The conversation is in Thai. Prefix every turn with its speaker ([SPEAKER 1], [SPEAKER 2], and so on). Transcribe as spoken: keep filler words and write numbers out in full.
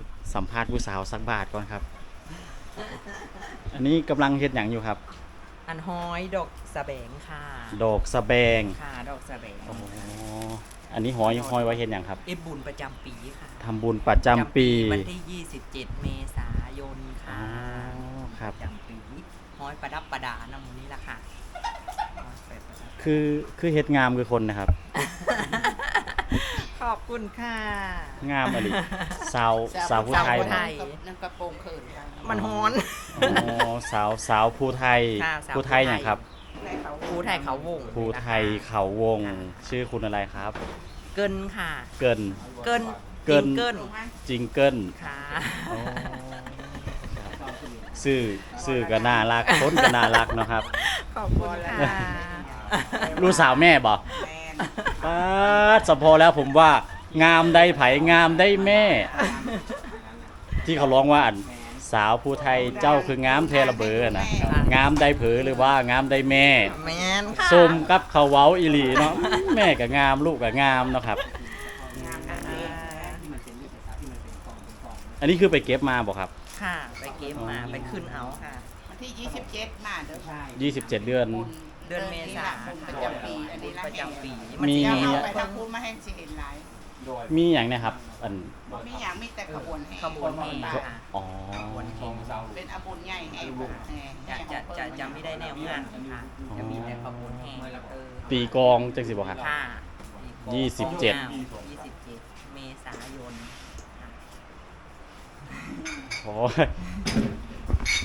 [SPEAKER 1] สัมภาษณ์ผู้สาวสักบาทก่อนครับ อันนี้กำลังเฮ็ดหยังอยู่ครับ
[SPEAKER 2] อันห้อยดอกสะแบงค่ะ
[SPEAKER 1] ดอกสะแบง
[SPEAKER 2] ค่ะดอกสะแบง
[SPEAKER 1] อ๋ออันนี้หอยหอยไว้เฮ็ดหยังครับ
[SPEAKER 2] เอฟบุญประจำปีค่ะ
[SPEAKER 1] ทำบุญประจำปี
[SPEAKER 2] วันที่ยี่สิบเจ็ดเมษายน
[SPEAKER 1] อ๋
[SPEAKER 2] ค่ะ
[SPEAKER 1] อครับ
[SPEAKER 2] ประจำปีห้อยประดับประดานำมูนี้ละค่ะห้อยไปประดับ
[SPEAKER 1] คือคือเฮ็ดงามคือคนนะครับ
[SPEAKER 2] ขอบคุณค่ะ
[SPEAKER 1] งามอลิสาวสาวผู้ไทย
[SPEAKER 2] สาวผู้ไท
[SPEAKER 1] นะ
[SPEAKER 2] ย
[SPEAKER 3] นั่นกระโปรงเขินค่ะ
[SPEAKER 2] มันฮ้อน
[SPEAKER 1] อ๋อสาวสาวผู้ไทย
[SPEAKER 2] ค่ะสาว
[SPEAKER 1] ผู้ไทยอย่างครับ
[SPEAKER 2] ครูไทยเขาวง
[SPEAKER 1] ผู้ไทยเขาวงชื่อคุณอะไรครับ
[SPEAKER 2] เกินค่ะ
[SPEAKER 1] เกิน
[SPEAKER 2] เกิน
[SPEAKER 1] เกิน
[SPEAKER 2] เกิน
[SPEAKER 1] จิงเกิล
[SPEAKER 2] ค่ะ
[SPEAKER 1] อ๋อชื่อชื่อก็น่ารักคนก็น่ารักเนาะครับ
[SPEAKER 2] ขอบคุณค่ะ
[SPEAKER 1] ลูกสาวแม่บ่
[SPEAKER 3] แมน
[SPEAKER 1] ป้าดสะพอแล้วผมว่างามได้ไผงามได้แม่ ที่เขาร้องว่าอันสาวผู้ไทยเจ้าคืองามเทระเบอนะงามได้เผอหรือว่างามได้แม่
[SPEAKER 2] แมนค่ะ
[SPEAKER 1] ส้มกับเขาวเว้าอีหลีเนาะแม่ก็งามลูกก็งามเนาะครับ อันนี้คือไปเก็บมาบ่ครับ
[SPEAKER 2] ค่ะ ไปเก็บมาไปขึ้นเอาค่ะ
[SPEAKER 3] วันที่ยี่สิบเจ็ดมาเด้อค่ะ
[SPEAKER 1] ยี่สิบเจ็ด เดือน
[SPEAKER 3] บุญ
[SPEAKER 2] เดือนเมษา
[SPEAKER 3] บุญประจำปีอันนี้ละ
[SPEAKER 2] ประจำปี
[SPEAKER 1] มี
[SPEAKER 3] เดี๋ยว
[SPEAKER 2] น
[SPEAKER 3] เอา
[SPEAKER 2] จะ
[SPEAKER 3] ไปทำพูดมาให้สิเห็นหลาย
[SPEAKER 1] มีอย่างเนะครับอัน
[SPEAKER 3] มีอย่างมีแต่ขบวนแห่
[SPEAKER 2] ขบวนแห่
[SPEAKER 3] ป่า
[SPEAKER 2] ค่ะ
[SPEAKER 1] อ๋อ
[SPEAKER 3] เป็นอาบุญใหญ่แห่บุญแห่
[SPEAKER 2] จะจะจะจะไม่ได้แนวงานค่ะ จะมีแต่ขบวนแห่เออ
[SPEAKER 1] ตีกลองจังสิบ่ครับ
[SPEAKER 2] ค่ะ
[SPEAKER 1] ยี่สิบเจ็ด
[SPEAKER 2] ยี่สิบเจ็ดเมษายนค่ะ
[SPEAKER 1] โอ้ย